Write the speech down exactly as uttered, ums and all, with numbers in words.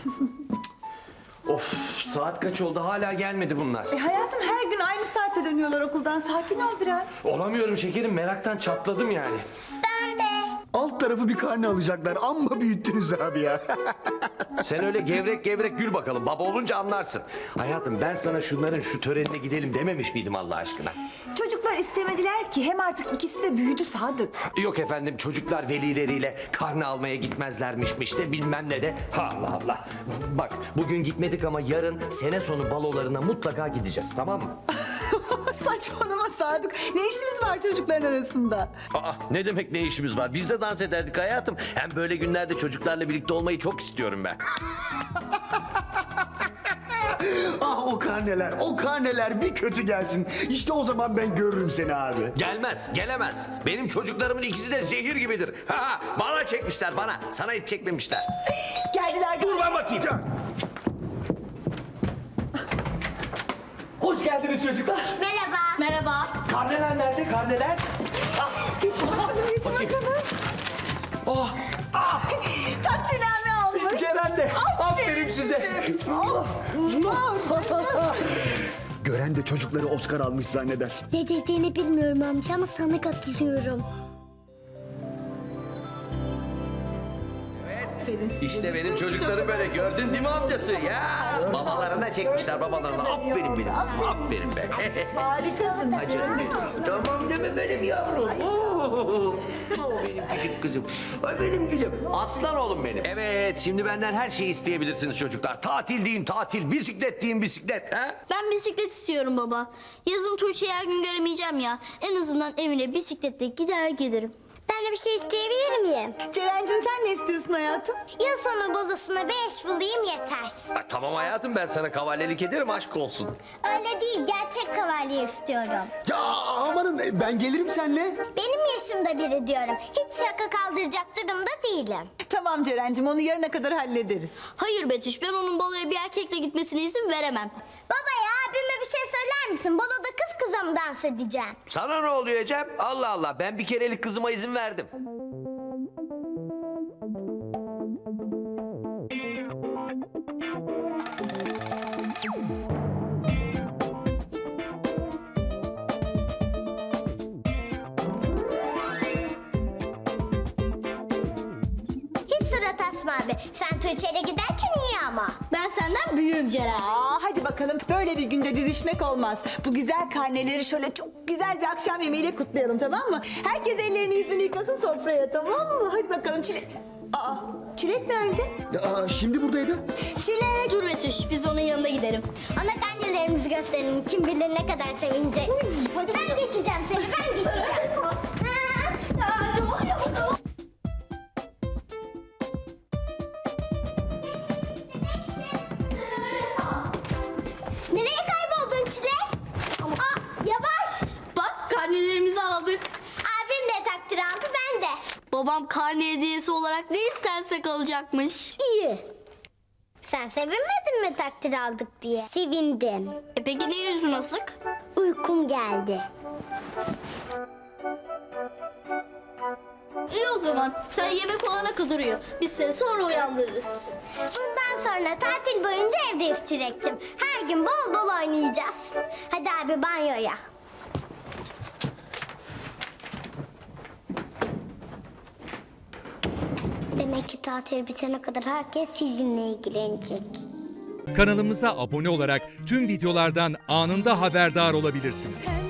Of, saat kaç oldu hala gelmedi bunlar. E hayatım her gün aynı saatte dönüyorlar okuldan. Sakin ol biraz. Olamıyorum şekerim, meraktan çatladım yani. Ben de. Alt tarafı bir karne alacaklar. Amma büyüttünüz abi ya. Sen öyle gevrek gevrek gül bakalım, baba olunca anlarsın. Hayatım ben sana şunların şu törenine gidelim dememiş miydim Allah aşkına? Çocuklar istemediler ki. Hem artık ikisi de büyüdü Sadık. Yok efendim, çocuklar velileriyle karne almaya gitmezlermişmiş de bilmem ne de. Allah Allah. Bak bugün gitmedik ama yarın sene sonu balolarına mutlaka gideceğiz, tamam mı? Saçmalama Sadık. Ne işimiz var çocukların arasında? Aa, ne demek ne işimiz var? Biz de dans ederdik hayatım. Hem böyle günlerde çocuklarla birlikte olmayı çok istiyorum ben. Ah o karneler, o karneler bir kötü gelsin. İşte o zaman ben görürüm seni abi. Gelmez, gelemez. Benim çocuklarımın ikisi de zehir gibidir. Ha, ha, bana çekmişler, bana. Sana hiç çekmemişler. Geldiler. Dur ben bakayım. Hoş geldiniz çocuklar. Merhaba. Merhaba. Karneler nerede, karneler? Geç bakalım, geç Bakayım. bakalım. Oh, Takdirname almış. Ceren de. Aferin size. Oh, oh. Gören de çocukları Oscar almış zanneder. Ne dediğini bilmiyorum amca ama sana katılıyorum. İşte benim çocuklarım böyle, gördün değil mi amcası? Ya babalarına çekmişler, babalarına. Aferin benim kızım, aferin be. Harikasın. Ay canım benim. Tamam deme benim yavrum. Oo, Oo, benim küçük kızım. Ay benim gülüm. Aslan oğlum benim. Evet, şimdi benden her şeyi isteyebilirsiniz çocuklar. Tatil deyin tatil, bisiklet deyin bisiklet. Ha? Ben bisiklet istiyorum baba. Yazın Tuğçe'yi her gün göremeyeceğim ya. En azından evine bisikletle gider gelirim. Ben de bir şey isteyebilir miyim? Ceren'cim sen ne istiyorsun hayatım? Yıl sonu balosuna beş bulayım yeter. Ay, tamam hayatım, ben sana kavalyelik ederim, aşk olsun. Öyle değil, gerçek kavalye istiyorum. Ya amanın ben gelirim seninle. Benim yaşımda biri diyorum. Hiç şaka kaldıracak durumda değilim. Tamam Ceren'cim onu yarına kadar hallederiz. Hayır Betüş, ben onun baloya bir erkekle gitmesine izin veremem. Baba ya abime bir şey söyler misin? Baloda kız kıza mı dans edeceğim? Sana ne oluyor Cem? Allah Allah, ben bir kerelik kızıma izin verdim. Hiç surat asma abi. Sen Tuğçe'yle giderken iyi ama. Ben senden büyüğüm Ceren. Aa, hadi bakalım böyle bir günde didişmek olmaz. Bu güzel karneleri şöyle çok güzel bir akşam yemeğiyle kutlayalım, tamam mı? Herkes ellerini yüzünü yıkasın sofraya, tamam mı? Hadi bakalım Çilek. Aa, Çilek nerede? Ya, şimdi buradaydı. Çilek. Dur Betüş, biz onun yanına gidelim. Ona karnelerimizi gösterelim. Kim bilir ne kadar sevinecek. Uy, hadi Ben geçeceğim seni, ben geçeceğim. Ha? Nereye kayboldun Çilek? Aa, yavaş. Bak, karnelerimizi aldık. Abim de takdir aldı, ben de. Babam karne hediyesi olarak değil, sense kalacakmış. İyi. Sen sevinmedin mi takdir aldık diye? Sevindim. E peki niye yüzün asık? Uykum geldi. İyi o zaman. Sen yemek olana kadar uyu. Biz seni sonra uyandırırız. Bundan sonra tatil boyunca evdeyiz Çilek'cim. Her gün bol bol oynayacağız. Hadi abi banyoya. Demek ki tatil bitene kadar herkes sizinle ilgilenecek. Kanalımıza abone olarak tüm videolardan anında haberdar olabilirsiniz.